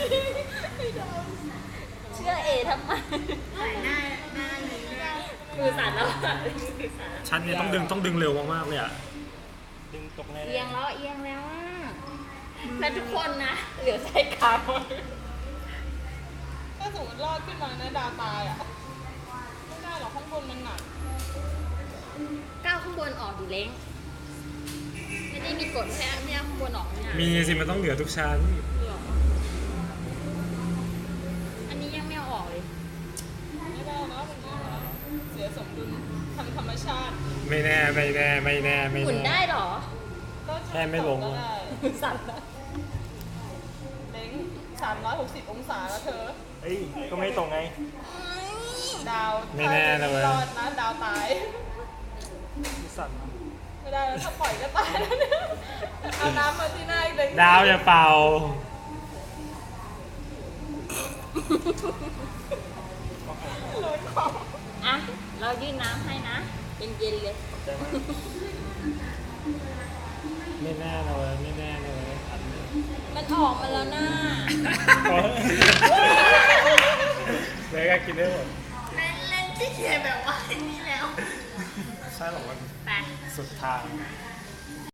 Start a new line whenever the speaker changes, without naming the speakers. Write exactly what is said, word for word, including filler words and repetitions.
เชื่อเอทำไมหายหน้าหน้าเลยมือสั่นแล้ว
ชันเนี่ยต้องดึงต้องดึงเร็วมากๆเลยอ่ะ
ดึงตกใน
เอียงแล้วเอียงแล้วแล้วทุกคนนะเหลือใจขาว
ถ้าสมมติรอดขึ้นมาเนี่ยดาวตายอ่ะไม่ได้หรอกข้างบนมันหนัก
ก้าวข้างบนออกดิเล้งไม่ได้มีกฎแค่ไม่เอาข้างบนออกเนี่ย
มีสิมันต้องเหลือทุกชั้น
อันนี้ยังไม่เอาออกเลย
ไม่ได้นะมันไม่ได้เสียสมดุลทางธรรมชาติ
ไม่แน่ไม่แน่ไม่แน่ไม่แน่
หมุนได้หรอ
แค่ไม่ลง
สั่นแล้ว
เล้งสามร้อยหกสิบองศาแล้วเธอ
เอ้ยก็ไม่ตรงไง
ดาว
ไม่แน่นะเว้ย
รอดนะดาวตาย
สั่น
ไม่ได้แล้วถ้าปล่อยก็ตายแล้วเนี่ยเอาน้ำมาที่หน้าอีกเลย
ดาวอย่าเป่า
อ่ะเรายื่นน้ำให้นะเย็นๆเลย
ไม่แน่เลยไม่แน่เลย
มันออกมาแล้วนะ
เลยก็กินได้หมด
เล่นๆที่เขียนแบบว่าอย่างนี้แล้ว
ใช่หรอมัน
ไป
สุดทาง